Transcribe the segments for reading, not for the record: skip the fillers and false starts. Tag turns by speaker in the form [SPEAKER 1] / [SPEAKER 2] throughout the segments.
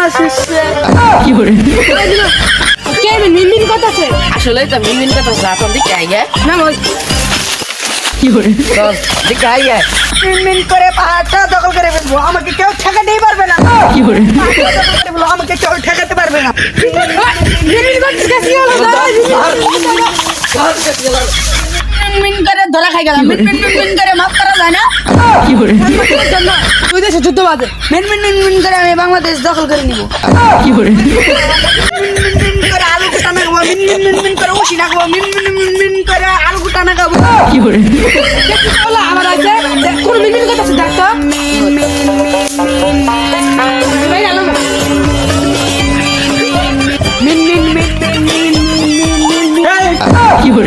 [SPEAKER 1] আমার শিষ্যে
[SPEAKER 2] কি করে
[SPEAKER 1] কে মিনমিন করতেছে
[SPEAKER 3] আসলে তো মিনমিন কথা আপন দিকে আইগে
[SPEAKER 1] না ওই
[SPEAKER 2] কি করে
[SPEAKER 3] চল দিকে আইগে
[SPEAKER 1] মিনমিন করে পাহাড়টা দখল করে ফেলবো আমাকে কেউ ঠেকাতেই পারবে না
[SPEAKER 2] কি করে
[SPEAKER 1] পাহাড়টা দখল করে ফেলবো, আমাকে কেউ ঠেকাতে পারবে না মিনমিন করতেছে কি হলো মিনমিন করে ধরা খাই গেলাম মিনমিন করে মাফ করা যায় না
[SPEAKER 2] কি করে
[SPEAKER 1] তুই দেশে যুদ্ধ বাজে মিনমিন করে আমি বাংলাদেশ দখল করে নিব
[SPEAKER 2] কি করে
[SPEAKER 1] মিনমিন করে আলু কুটানা খাবো মিনমিন করে উশিনা খাবো মিনমিন করে আলু কুটানা খাবো
[SPEAKER 2] কি করে
[SPEAKER 1] দেখি বলো আমার আছে কোন মিনমিন করতেছে ডাক্তার
[SPEAKER 2] কি করে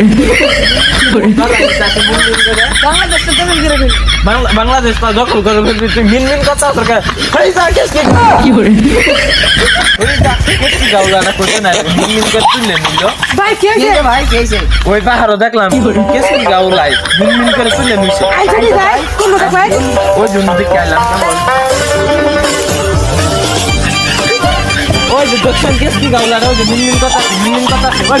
[SPEAKER 1] বাংলাদেশটা দখল করে ফেলবো
[SPEAKER 4] বাংলাদেশ না দখল করে ফেলবি তুই মিনমিন কথা সরকার
[SPEAKER 2] কি করে
[SPEAKER 4] গাউলাটা করতে না মিনমিন করে তুললে নিল
[SPEAKER 1] ভাই কে কে
[SPEAKER 3] ভাই কেছে
[SPEAKER 4] ওই পাহাড়ও দেখলাম কেসি গাউলাই মিনমিন করে তুললে নিছে
[SPEAKER 1] আইছা কি ভাই কোন লোক ভাই
[SPEAKER 4] ওই জন্য দিকে আইলাম ওই যে দক্ষিণ কেসি গাউলাটা ওই যে মিনমিন কথা ওই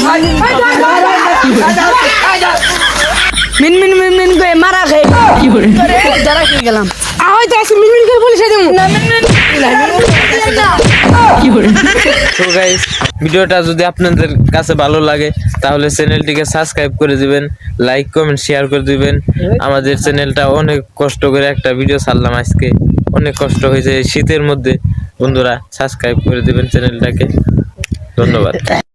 [SPEAKER 1] মিনমিন করে মারা খাই
[SPEAKER 2] কি করে
[SPEAKER 1] ধরা খেয়ে গেলাম হয়তো আছে মিনমিন করে পুলিশে দেবো না
[SPEAKER 2] কি করে
[SPEAKER 4] তো গাইস ভিডিওটা যদি আপনাদের কাছে ভালো লাগে তাহলে চ্যানেলটিকে সাবস্ক্রাইব করে দিবেন লাইক কমেন্ট শেয়ার করে দিবেন আমাদের চ্যানেলটা অনেক কষ্ট করে একটা ভিডিও ছাড়লাম আজকে অনেক কষ্ট হয়েছে শীতের মধ্যে বন্ধুরা সাবস্ক্রাইব করে দিবেন চ্যানেলটাকে ধন্যবাদ